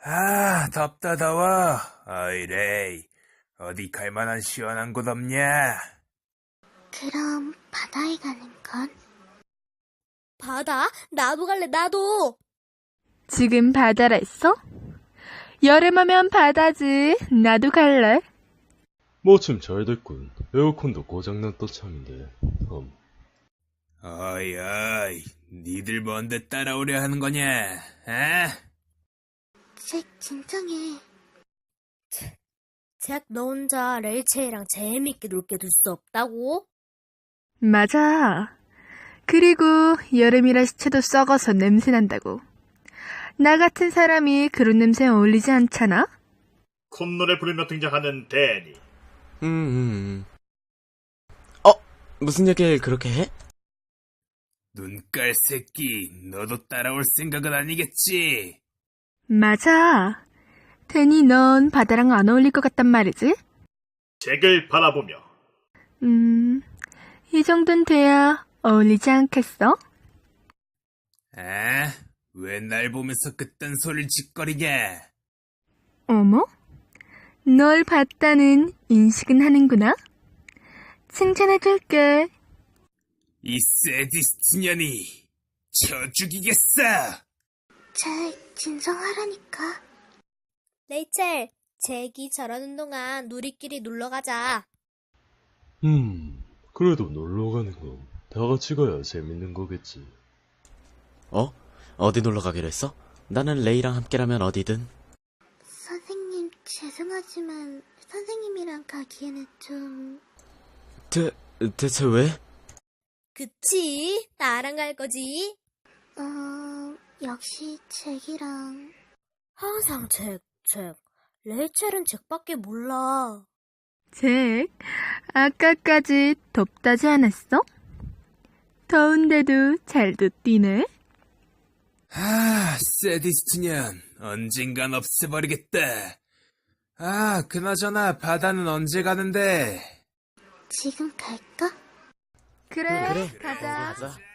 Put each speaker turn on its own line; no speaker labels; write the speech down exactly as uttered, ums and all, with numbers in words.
아, 덥다 더워. 어이, 레이. 어디 갈 만한 시원한 곳 없냐?
그럼 바다에 가는 건?
바다? 나도 갈래, 나도!
지금 바다라 했어? 여름하면 바다지. 나도 갈래.
마침 잘 됐군. 에어컨도 고장났다 참인데. 음.
어이, 어이. 니들 뭔데 따라오려 하는 거냐? 에?
잭, 진정해.
잭, 너 혼자 레이첼이랑 재밌게 놀게 둘 수 없다고?
맞아. 그리고 여름이라 시체도 썩어서 냄새난다고. 나 같은 사람이 그런 냄새에 어울리지 않잖아?
콧노래 부르며 등장하는 데니.
음, 음. 어? 무슨 얘기를 그렇게 해?
눈깔 새끼, 너도 따라올 생각은 아니겠지?
맞아. 데니, 넌 바다랑 안 어울릴 것 같단 말이지?
잭을 바라보며
음, 이 정도는 돼야 어울리지 않겠어?
에? 왜 날 보면서 그딴 소리를 짓거리냐?
어머? 널 봤다는 인식은 하는구나? 칭찬해줄게.
이 세디스트 년이 쳐 죽이겠어!
잭, 진정하라니까.
레이첼, 잭이 저러는 동안 우리끼리 놀러 가자.
음, 그래도 놀러 가는 건 다 같이 가야 재밌는 거겠지.
어? 어디 놀러 가기로 했어? 나는 레이랑 함께라면 어디든.
선생님, 죄송하지만 선생님이랑 가기에는 좀...
대, 대체 왜?
그치? 나랑 갈 거지?
어... 역시 잭이랑...
항상 잭, 잭. 레이첼은 잭밖에 몰라.
잭, 아까까지 덥다지 않았어? 더운데도 잘도 뛰네?
아, 세디스트 년, 언젠간 없애버리겠다. 아, 그나저나 바다는 언제 가는데?
지금 갈까?
그래,
그래,
가자.
가자.